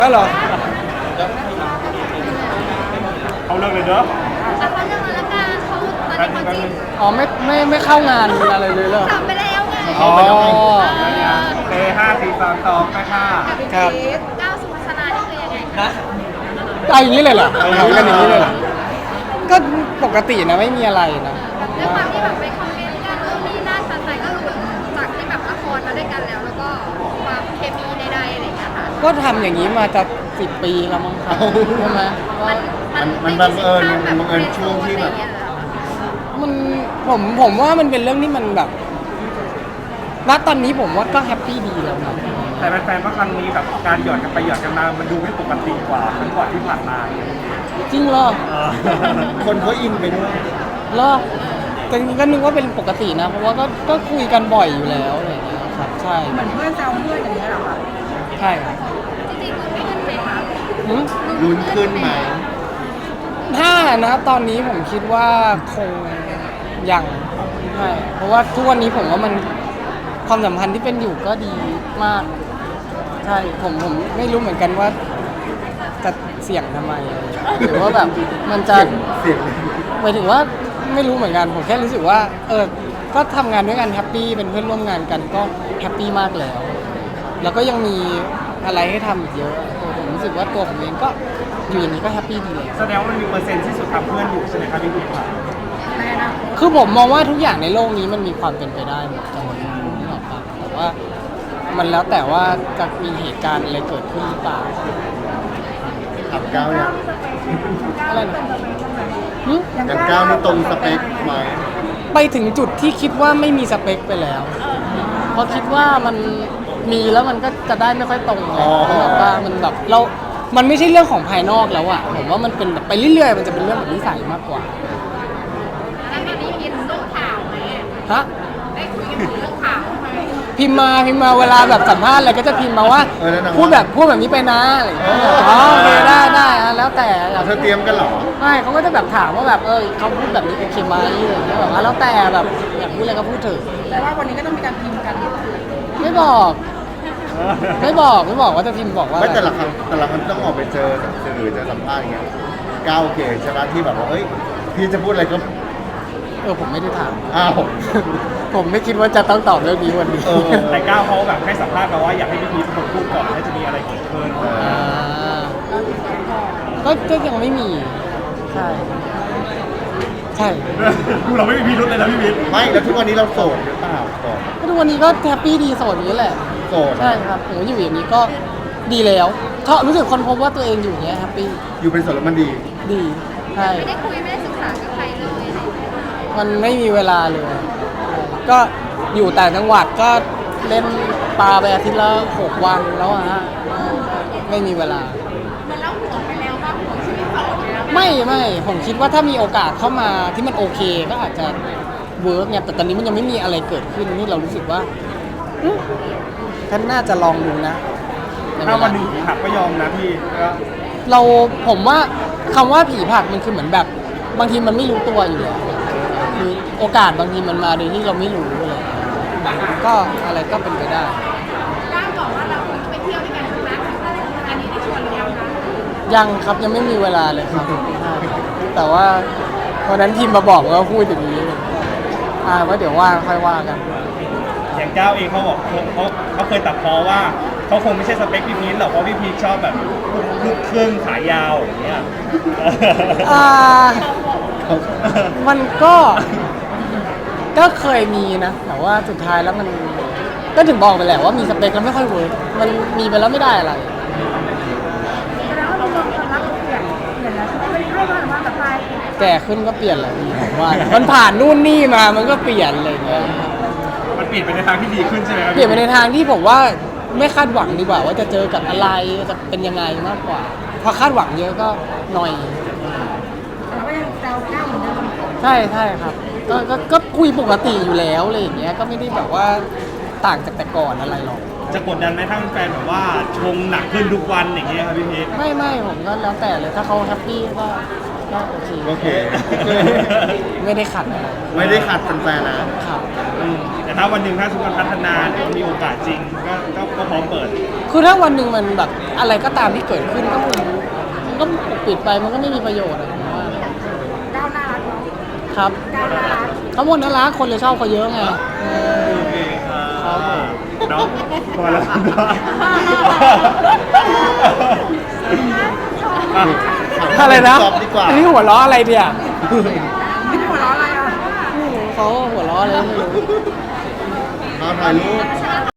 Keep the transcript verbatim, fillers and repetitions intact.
ก็เหรอเขาเลิกเลยเนอะแต่เขาเรื่องมาแล้วกันเขาตอนนี้เขาจริงอ๋อไม่ไม่ไม่เข้างานอะไรเลยเหรอทำไปแล้วไงอ๋อเตะห้าสี่สามสองไปค่ะครับก้าวสู่พัฒนานี่คือยังไงคะเอาอย่างนี้เลยเหรอเอากันอย่างนี้เลยเหรอก็ปกตินะไม่มีอะไรนะด้วยความที่แบบไปคอมเมนต์กันเออมีหน้าชัดใจก็รู้จากที่แบบละครมาด้วยกันแล้ว แล้วก็ความเคมีในใดๆอะไรอย่างเงี้ยค่ะก็ทำอย่างนี้มาจะสิบปีแล้วมั้งครับใช่ไหมก็มันมันบังเอิญมันบังเอิญช่วงที่แบบมันผมผมว่ามันเป็นเรื่องที่มันแบบณตอนนี้ผมว่าก็แฮปปี้ดีแล้วนะแต่แฟนๆว่าครั้งนี้แบบการหยอดกันไปหยอดกันมามันดูไม่ปกติกว่าครั้งก่อนที่ผ่านมาจริงเหรอคนเขาอินไปด้วยเหรอแต่จริงๆก็นึกว่าเป็นปกตินะเพราะว่าก็ก็คุยกันบ่อยอยู่แล้วอะไรอย่างเงี้ยครับใช่เหมือนเพื่อนแซวเพื่อนอย่างนี้ยเหรอคะใช่ครับจริงๆคือไม่ขึ้นเลยค่ะหืมลุ้นขึ้นไหมถ้านะตอนนี้ผมคิดว่าคงยังใช่เพราะว่าทุกวันนี้ผมว่ามันความสัมพันธ์ที่เป็นอยู่ก็ดีมาก ใช่ผมผมไม่รู้เหมือนกันว่าจะเสี่ยงทำไมหรือว่าแบบมันจะเสียงหมายถึงว่าไม่รู้เหมือนกันผมแค่รู้สึกว่าเออก็ทำงานด้วยกันแฮปปี้เป็นเพื่อนร่วมงานกันก็แฮปปี้มากแล้ว แล้วก็ยังมีอะไรให้ทำอีกเยอะเออผมรู้สึกว่าตัวผมเองก็อยู่อย่างนี้ก็แฮปปี้ดีเลยแสดงว่ามันมีเปอร์เซ็นต์ที่สุดทำเพื่อนอยู่ใช่ไหมครับพี่บิ๊กครับในอนาคตคือผมมองว่าทุกอย่างในโลกนี้มันมีความเป็นไปได้หมดจังหวะนี้นึกออกปะแต่ว่ามันแล้วแต่ว่าจะมีเหตุการณ์อะไรเกิดขึ้นหรือเปล่าขับก้าวเนี่ยอะไรนะหึอย่างก้าวนี่ตรงสเปคไหมไปถึงจุดที่คิดว่าไม่มีสเปคไปแล้ว เพราะคิดว่ามันมีแล้วมันก็จะได้ไม่ค่อยตรงไงแบบว่ามันแบบเรา มันไม่ใช่เรื่องของภายนอกแล้วอะผมว่ามันเป็นแบบไปเรื่อยๆ มันจะเป็นเรื่องของนิสัยมากกว่าแล้วตอนนี้คิดเรื่องข่าวไหมฮะได้คุยกันถึงเรื่องข่าวไหมพิมพ์มาพิมพ์มาเวลาแบบสัมภาษณ์อะไรก็จะพิมพ์มาว่าพูดแบบพูดแบบนี้ไปนะอะไรอย่างเงี้ยอ๋อโอเคได้ได้อะแล้วแต่เธอเตรียมกันเหรอไม่เขาก็จะแบบถามว่าแบบเออเขาพูดแบบนี้โอเคไหมอะไรอย่างเงี้ยแบบว่าแล้วแต่แบบอยากพูดอะไรก็พูดเถอะแต่ว่าวันนี้ก็ต้องมีการพิมพ์กันไม่บอก ไม่บอกไม่บอกว่าจะพิมพ์บอกว่าไม่อะไรแต่ละครั้งแต่ละครั้งต้องออกไปเจอแบบสื่อเจอสัมภาษณ์อย่างเงี้ยก้าวโอเคใช่ไหมที่แบบว่าเอ้ยพี่จะพูดอะไรก็เออผมไม่ได้ถามอ้าวผมไม่คิดว่าจะต้องตอบเรื่องนี้วันนี้เออแต่ก้าวเขาแบบให้สัมภาษณ์มาว่าอยากให้พี่พีชเป็นคนพูดก่อนถ้าจะมีอะไรเกิดขึ้นเอออ่าก็ก็ยังไม่มี ใช่ ใช่ดูเราไม่มีพิรุธเลยนะพี่พีชไม่แล้วทุกวันนี้เราโสดหรือเปล่าโสดก็ทุกวันนี้ก็แฮปปี้ดีโสดอย่างนี้แหละโสดใช่ครับผมอยู่อย่างนี้ก็ดีแล้วชอบรู้สึกคนพบว่าตัวเองอยู่อย่างเงี้ยแฮปปี้อยู่เป็นโสดแล้วมันดีดีใช่ไม่ได้คุยไม่ได้ศึกษากับใครเลยอะไรอย่างเงี้ยมันไม่มีเวลาเลย ก็อยู่ต่างจังหวัดก็เล่นปลาไปอาทิตย์ละหกวันแล้วอะฮะไม่มีเวลามันเล่าหัวไปแล้วว่าหัวชีวิตเขาไปแล้วไม่ไม่ผมคิดว่าถ้ามีโอกาสเข้ามาที่มันโอเคก็อาจจะเวิร์กเนี่ยแต่ตอนนี้มันยังไม่มีอะไรเกิดขึ้นนี่เรารู้สึกว่าอืมท่านน่าจะลองดูนะถ้าวันหนึ่งหักก็ยอมนะพี่ก็เราผมว่าคำว่าผีผลักมันคือเหมือนแบบ บางทีมันไม่รู้ตัวอยู่แล้วคือโอกาสบางทีมันมาโดยที่เราไม่รู้เลยก็อะไรก็เป็นไปได้ก้าวบอกว่าเราไปเที่ยวด้วยกันใช่ไหมอันนี้ได้ชวนหรือยังคะยังครับยังไม่มีเวลาเลยครับ แต่ว่าวันนั้นทีมมาบอกว่าพูดอย่างนี้อ่าว่าเดี๋ยวว่าค่อยว่ากันอย่างก้าวเองเขาบอกเขาเขาเขาเคยตัดพ้อว่าเขาคงไม่ใช่สเปคพี่พีชหรอกเพราะพี่พีชชอบแบบลูกครึ่งขายาวอย่างเงี้ยอ่า มันก็ก็เคยมีนะ แต่ว่าสุดท้ายแล้วมันก็ถึงบอกไปแหละว่ามีสเปคแล้วไม่ค่อยเวิร์กมันมีไปแล้วไม่ได้อะไรแล้วเราลองความรักเราเปลี่ยนเปลี่ยนแล้วใช่ไหมไม่ได้ให้ว่าหรือว่าแบบไปแก่ขึ้นก็เปลี่ยนแหละพี่ผมว่า มันผ่านนู่นนี่มามันก็เปลี่ยนอะไรอย่างเงี้ยมันเปลี่ยนไปในทางที่ดีขึ้นใช่ไหมครับเปลี่ยนไปในทางที่ผมว่าไม่คาดหวังดีกว่าว่าจะเจอกับอะไรจะเป็นยังไงมากกว่าพอคาดหวังเยอะก็หน่อยเราก็ยังแซวก้าวเหมือนเดิมใช่ใช่ครับก็ก็ก็คุยปกติอยู่แล้วอะไรอย่างเงี้ยก็ไม่ได้แบบว่าต่างจากแต่ก่อนอะไรหรอกจะกดดันไหมถ้าแฟนแบบว่าชงหนักขึ้นทุกวันอย่างเงี้ยครับพี่พีชไม่ไม่ผมก็แล้วแต่เลยถ้าเขาแฮปปี้ก็ก็โอเคโอเคไม่ได้ขัดอะไรไม่ได้ขัดแฟนๆนะครับอืมแต่แต่ถ้าวันหนึ่งถ้าสมมติมันพัฒนาหรือมีโอกาสจริงก็ก็ก็พร้อมเปิดคือถ้าวันหนึ่งมันแบบอะไรก็ตามที่เกิดขึ้นก็คงมันก็ปิดไปมันก็ไม่มีประโยชน์อะผมว่าก้าวหน้ารักจริงครับๆก้าวหน้ารักเขาหมดน่ารักคนเลยชอบเขาเยอะไงโอเคครับเนาะพอแล้วอ่ะอะไรนะตอบดีกว่าอันนี้หัวล้ออะไรเดียนี่หัวเราะอะไรอ่ะเขาหัวล้ออะไรไม่รู้มาถ่ายรูป